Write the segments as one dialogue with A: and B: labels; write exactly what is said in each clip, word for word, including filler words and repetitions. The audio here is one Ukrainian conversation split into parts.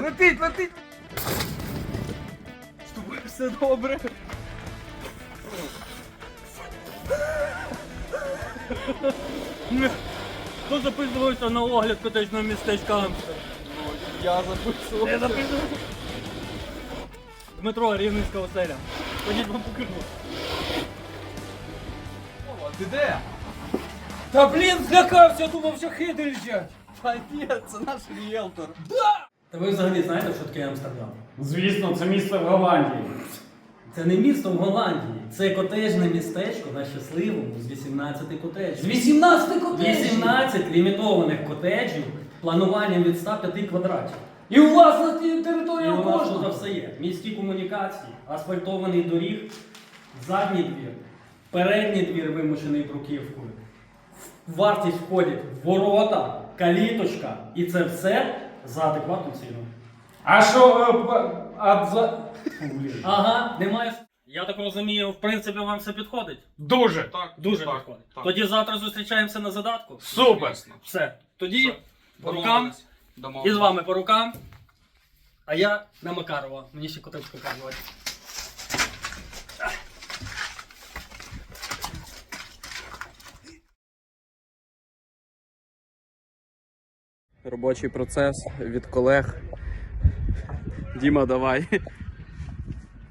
A: Летить, летить! З тобою все добре.
B: Хто записувався на огляд котечного містечка Амстер?
A: Я записував.
B: Я записувався. Дмитро, Рівненська оселя. Ходіть вам покажу.
A: Ти де?
C: Та блін, злякався, думав, що хиди лежать.
A: Та ні, це наш ріелтор.
B: Та ви взагалі знаєте, що таке Амстердам?
D: Звісно, це місце в Голландії.
B: Це не місто в Голландії, це котежне містечко на щасливому з вісімнадцяти котеджів.
C: З вісімнадцяти котеджів.
B: вісімнадцять лімітованих котеджів плануванням від ста п'яти квадратів.
C: І у вас на тій
B: І
C: території
B: у нас тут
C: кожного.
B: все є. Міські комунікації, асфальтований доріг, задній двір, передній двір вимушений бруківкою. В вартість входять ворота, каліточка і це все за адекватну ціну.
D: А що, е, п- а за... Фу, блін.
B: Ага, немає. Я так розумію, в принципі, вам все підходить?
D: Дуже.
E: Так,
B: Дуже
E: так,
B: підходить.
E: так.
B: Тоді завтра зустрічаємося на задатку.
D: Супер.
E: Ясно.
B: Все. Тоді
E: Все.
B: по рукам.
E: Домовились.
B: І
E: Домовились.
B: з вами по рукам. А я на Макарова. Мені ще котеч показувати.
A: Робочий процес від колег. Діма, давай.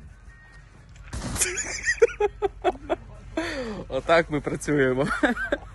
A: Отак ми працюємо.